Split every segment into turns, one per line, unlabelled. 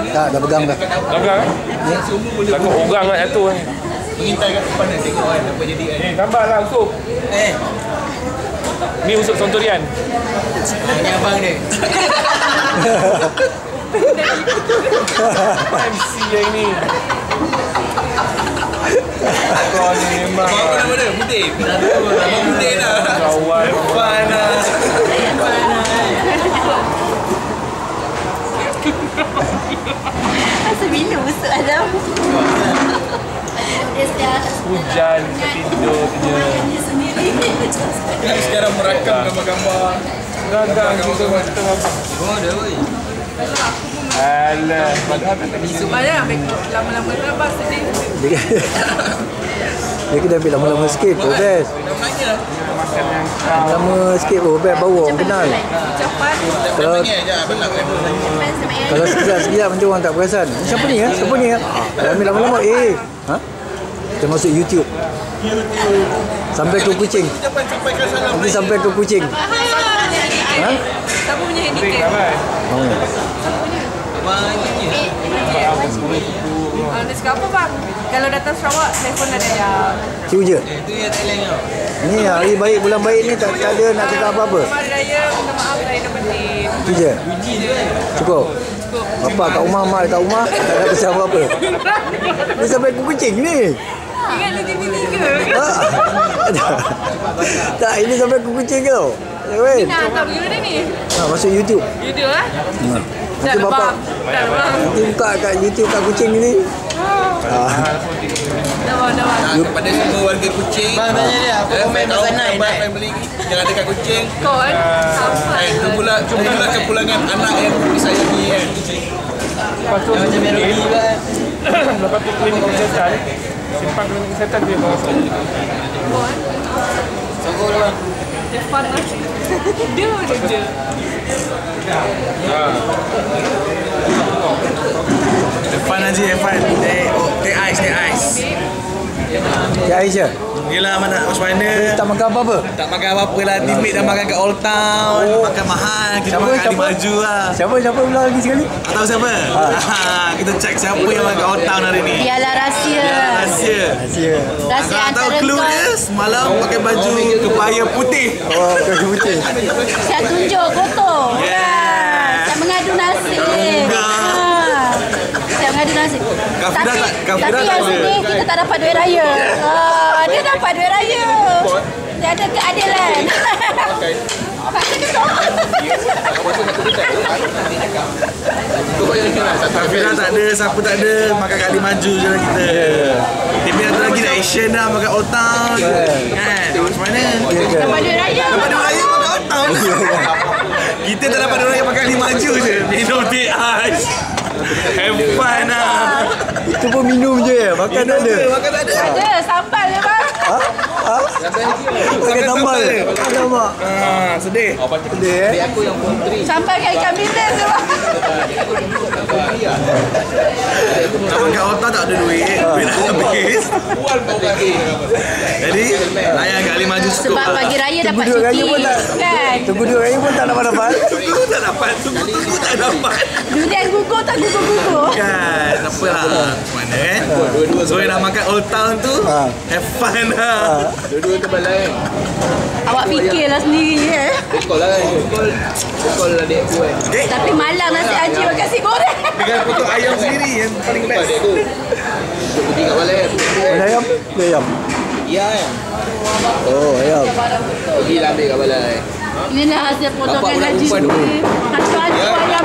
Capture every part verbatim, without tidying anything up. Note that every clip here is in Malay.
Tak, dah pegang dah.
Dah pegang kan? Takut orang nak jatuh kan.
Mengintai kat depan dan tengok kan apa jadi kan.
Eh, tambahlah usuk.
Eh.
Ni usuk sontorian.
Ini abang dia.
M C yang ni. Kau ni memang.
Abang nama dia? Putih. Abang Putih dah.
Kawan.
Panas.
Masa bila busuk Adam?
Hujan, tidur je.
Sekarang merakam gambar-gambar.
Gagang kita macam apa?
Oh, dah oi.
Alah, padahal tak ada
Besok banyak lama-lama tu abang sedih.
Dia kena ambil lama-lama sikit, progress.
Namanya
makan yang kau.
Lama sikit, progress baru orang kenal.
Ucapan.
Kalau
je benar kan.
kalau sekejap-sekejap macam orang tak perasan. Siapa ni kan? Siapa ni kan? Dah ambil lama-lama. Eh, ha? Kita masuk YouTube. Sampai ke kucing.
Jangan sampaikan salam.
Nanti sampai ke kucing. Ha?
Siapa punya handicap?
Ramai.
Oh.
Abang ini je.
Ah, dia cakap apa bang? Kalau datang Sarawak, telefon ada jam.
Cium je.
Itu yang Thailand kau.
Ni hari baik, bulan baik ni tak, tak ada nak cakap apa-apa.
Selamat Hari Raya, minta maaf saya dah penting.
Itu je. Cukup. Bapak kat rumah, mak kat rumah, tak ada pesan apa-apa. Ni sampai ke kucing ni.
Ingat lu T V tiga.
Ha? Tak, ini sampai ke kucing ke tau. Ya kan?
Nak hantar pergi mana ni?
Ha, masuk YouTube.
YouTube lah.
Ha.
Tak
Nanti
ada
bapak
bang. Tak ada bang.
nanti buka kat YouTube kat kucing ni. Ha.
Dah bang, dah bang.
Nah, kepada semua warga Kuching. Bang tanya dia, apa komen pasal naik naik main beli jangan dekat Kuching.
Kau kan? Sampai.
Eh, tunggulah tunggulah kepulangan anak yang disayangi kan.
Lepas tu macam melodi juga kan. Lepas tu klinik kesihatan. Simpang klinik kesihatan dia bawa masuk.
Kau kan?
Sokong bang.
Dia fun lah. Dia je.
Depan aja Evan. Eh, oh, teh ais, teh ais.
Ya Aisyah.
Yelah mana macam mana?
Tak makan apa-apa.
Tak makan apa-apa lah. Teammate dah makan kat Old Town.
Oh.
Makan mahal. Kita
Siapa,
makan
siapa?
di Maju lah.
Siapa siapa ulang lagi sekali?
Tak tahu siapa? Ha. Kita check siapa yang makan kat Old Town hari ni.
Biarlah rahsia.
Biar rahsia.
Rahsia.
Rahsia
Kalau tahu
antara
clue
kau.
dia, semalam pakai baju kebaya putih.
Oh, kaki putih.
Saya tunjuk foto.
Yeah.
Saya mengadu nasib.
Enggak.
Ha. Saya mengadu nasib.
Kafira
Tapi,
tak- Kafira
tapi
tak
yang
ada.
sini kita tak dapat duit raya. Ha, dia dapat duit raya. Dia ada keadilan. Macam tu.
Kafira tak ada, siapa tak ada, makan kat di Maju je lah kita. Tapi ada lagi dah Asian dah makan Old Town. Kan? Macam mana?
Dapat duit raya.
Dapat duit raya makan Old Town. Kita tak dapat duit raya makan di Maju je. Minum teh ais. Have fun lah.
Itu pun minum je ya. Makan tak ada.
Makan tak ada.
Ada sambal je bang.
Ha? Ha? Makan sambal. Alamak.
Ah, sedih.
Sedih eh.
Sambal kat ikan bilis je bang.
Nak makan Old Town tak ada duit. Duit dah habis. Jadi, layan kat Lima Maju cukup.
Sebab pagi raya dapat
Tunggu duit raya
cuti.
pun tak.
Kan?
Tunggu duit raya pun tak dapat-dapat.
Tunggu tak dapat. Tunggu-tunggu tak dapat.
Dunia gugur tak gugur-gugur.
Kan, tak apalah. Mana kan? So, yang nak makan Old Town tu,
Ha.
have fun lah.
Dua-dua kepala kan.
Awak fikirlah sendiri eh.
Call lah kan. Call. Call lah adik aku kan.
Okay?
Tapi malam nasi haji makan nasi goreng.
Dengan potong ayam sendiri yang paling
Lupa
best.
adik aku. Duduk putih kat kepala kan.
Ada ayam? Ada ayam.
Ya kan.
Oh, ayam.
Pergi lah ambil kat kepala kan.
Inilah hasil potongan
Bapak
haji.
budak perempuan
Hantu-hantu ayam.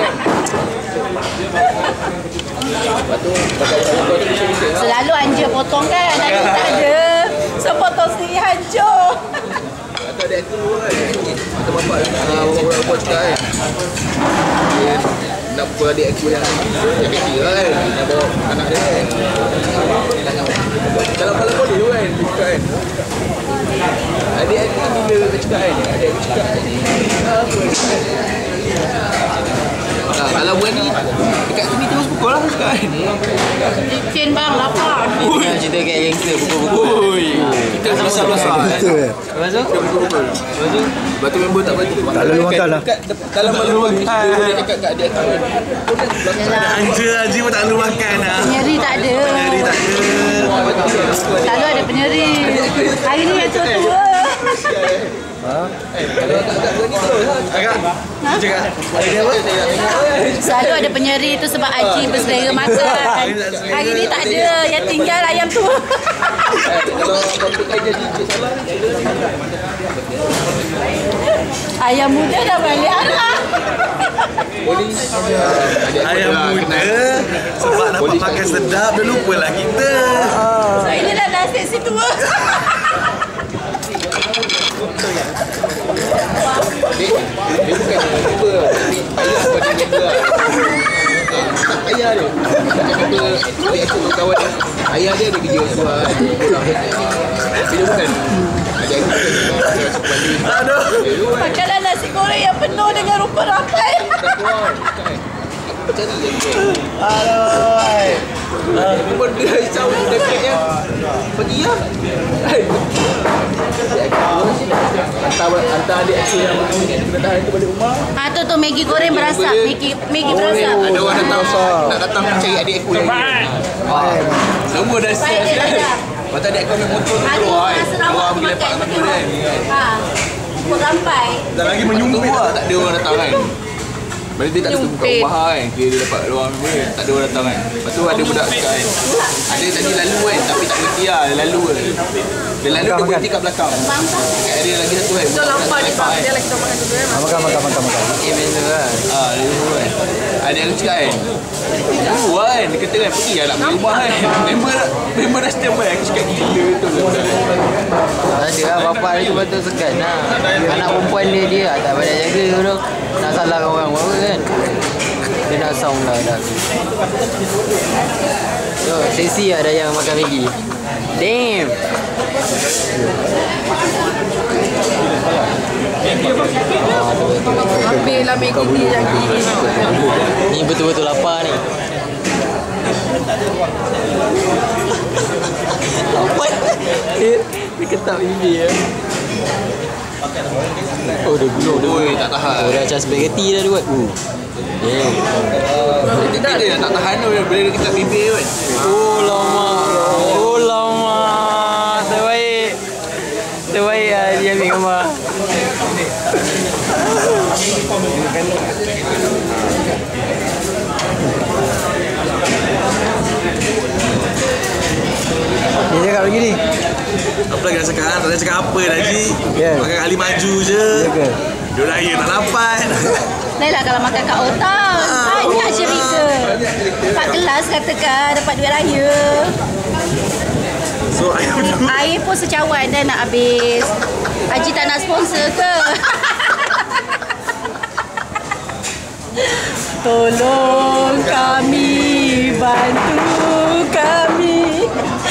Lepas tu, pakai kepala tu bising-bising lah.
Selalu Anja potong kan. Anja tak ada. So potong sendiri hancur.
Atau adik aku kan. Atau bapak ah, bapak-bapak cakap kan. Dia nak pukul adik aku yang yang kecil lah kan. Nak bawa anak dia kan. Kalau kalau boleh tu kan. Dia cakap kan. Adik aku ni bila dia cakap kan. Adik aku cakap. Apa dia cakap. Ah, kalau berani dekat sini terus pukul lah cakap kan.
Licin bang, lapar.
Ui, cerita kat gangster pukul-pukul. Kita sama
besar.
Betul eh.
Lepas tu? Lepas tu?
Lepas tu member tak berhenti.
Tak lalu makan lah.
Dalam malu bagi kita boleh cakap kat adik aku.
Yalah.
Anja Haji pun tak lalu makan lah.
Penyeri tak ada.
Nyari tak ada.
Selalu ada penyeri. Hari ni yang tua-tua.
Agak. Cakap. Ada dia apa?
Selalu ada penyeri tu sebab Haji berselera makan. Hari ni tak ada. Yang tinggal ayam tu.
Kalau kau kerja sikit salah.
Ayam muda dah balik arah.
Polis.
Ayam muda. Sebab dapat makan sedap, dah lupalah kita.
So inilah nasib si tua.
Dia, dia bukan member. Ayah kau dia member. Tak ayah dia. Macam member adik aku kawan dia. Ayah dia ada kerja sebuah. Dia bukan. Adik aku kan dia suka balik.
Aduh.
Makanan nasi goreng yang penuh dengan rupa rampai.
Macam ni je.
Aduh.
Member dia risau dekatnya. Pergi lah. Hantar, hantar adik aku yang kena tahan tu balik rumah.
Ha tu tu Maggi goreng berasap. Maggi Maggi berasap.
Ada orang datang nak datang cari adik aku yang semua dah
Baik dia
siap.
dah.
Lepas tu adik aku ambil motor tu
Hari
keluar
ni
kan.
Sarawak
Keluar pergi lepak
makan
dengan
betul.
dia kan.
Ha. Rupa rampai.
Dah lagi
Lepas
menyumbut
tu
lah.
tak ada orang datang kan. Lepas tu dia tak ada buka
Nyumpit.
rumah kan. Dia, dia dapat luar member dia. Tak ada orang datang kan. Lepas tu ada budak cakap kan. Ada tadi lalu kan. Tapi tak berhenti lah. Dia lalu kan. Dia lalu dia berhenti kat belakang. Kat area lagi satu kan.
So lambat ni
Lepak
bang. Dia lagi tak makan dulu eh.
Makan, makan, makan, makan.
Eh benda kan. Ah, dia dulu kan. Ada yang cakap kan. Dulu kan. Dia kata kan pergi lah nak pergi rumah kan. Member member dah standby. Aku cakap gila tu.
Ada lah bapak dia tu betul segan lah. Anak perempuan dia dia tak pandai jaga tu. Nak salahkan orang apa kan. Dia nak sound lah dah. So, seksi ada yang makan Maggi. Damn.
Ambil lah Maggi ni yang gini.
Ni betul-betul lapar ni. Apa? Dia, dia ketap bibir ya. Oh, dia gulung dia.
Oi, tak tahan.
Oh, dah macam spaghetti dah dia buat. Uh. Damn.
Dia dia tak tahan tu. Bila dia ketap bibir kan.
Oh, lama. Oh, lama. Terbaik. Terbaik lah dia ambil gambar.
Dia cakap lagi ni.
Apa lagi nak cakap? Tak nak cakap apa dah Haji.
Ya.
Makan kali maju je.
Ya ke?
Dia raya tak dapat.
Lain lah kalau makan kat Old Town. Banyak cerita. Empat kelas katakan dapat duit raya.
So ayam tu.
Air pun secawan dah nak habis. Haji tak nak sponsor ke? Tolong kami, bantu kami,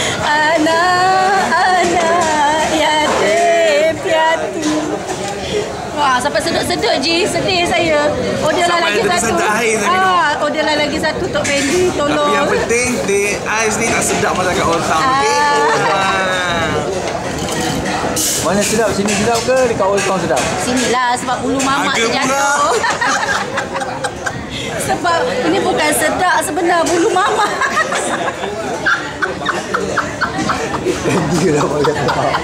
anak-anak yatim piatu. Wah, sampai sedut-sedut Ji, sedih saya. Order lah
Sampai
lagi
ada
satu.
tersentak air tadi tu.
Ah, order lah lagi satu Tok Fendi, tolong.
Tapi yang penting teh ais ni tak sedap macam kat Old Town. Okey. Ah.
Mana sedap? Sini sedap ke dekat Old Town sedap?
Sinilah sebab bulu mamak
Harga
terjatuh. Sebab ini bukan sedak sebenar bulu mamak.
Dia dah pakai tak.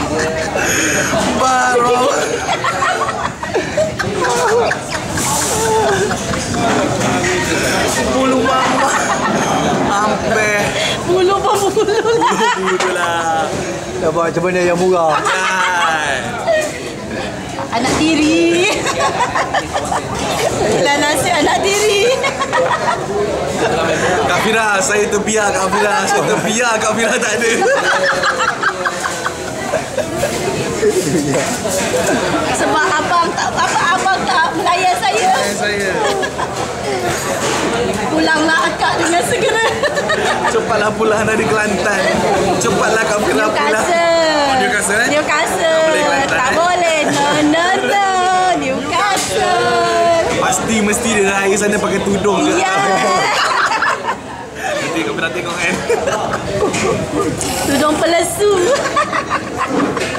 Baru. Bulu mama. Sampai
Bulu pun bulu lah.
bulu lah.
Dapat macam mana yang murah?
Kan.
Anak tiri. Dan nasi anak tiri.
Kak Fira, saya terbiar Kak Fira. Saya terbiar Kak Fira tak ada.
Sebab abang tak apa abang tak melayan saya.
Saya.
Pulanglah akak dengan segera.
Cepatlah pulang dari Kelantan. Cepatlah Kak Fira pulang.
Newcastle.
Newcastle, eh?
Newcastle.
Tak boleh Kelantan,
Tak
eh?
boleh. No, no, no. Newcastle.
Pasti mesti dia raya sana pakai tudung ke.
Ya.
Nanti Kak Fira tengok kan.
Tudung pelesu.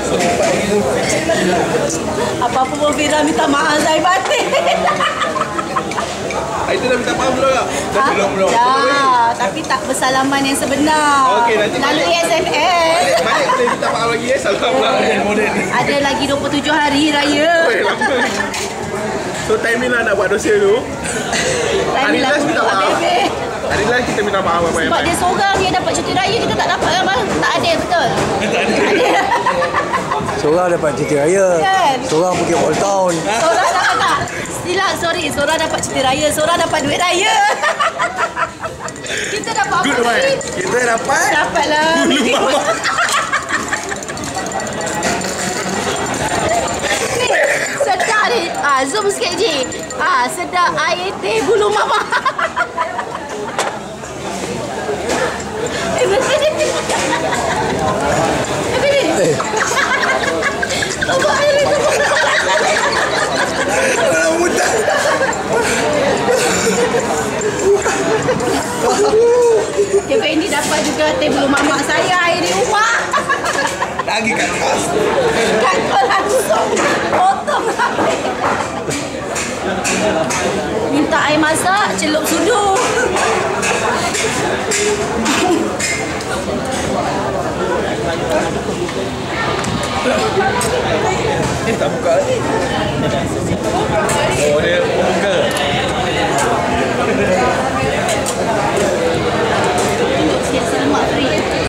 Apa-apa pun Fira minta maaf saya batin.
Itu dah minta maaf belum tak? Dah belum belum.
Dah, tapi tak bersalaman yang sebenar.
Okey, nanti
Melalui S M S.
Balik boleh minta maaf lagi eh. Salam pula.
Ada lagi dua puluh tujuh hari raya.
Oi, lama. So time ni lah nak buat dosa tu. Hari last minta maaf. Hari last kita minta maaf apa yang
Sebab dia seorang dia dapat cuti raya, kita tak dapat kan bang? Tak ada, betul? Tak ada.
Seorang dapat cuti raya.
Kan?
Seorang pergi Old Town.
Seorang dapat tak? Silap, sorry. Seorang dapat cuti raya, seorang dapat duit raya. Kita dapat apa
Good one.
ni?
Kita dapat
Dapatlah.
bulu mama.
Sedap ni. Ah, zoom sikit je. Ah, sedap air teh bulu mama. Eh, betul ni. Betul ni.
Eh,
Tunggu air ni, tunggu.
Kalau mudah.
Dia Fendi dapat juga teh bulu mamak saya air di rumah.
Lagi kat atas.
Kan kau langsung potong habis. Minta air masak, celup sudu.
Eh, tak buka lagi. Oh, dia buka.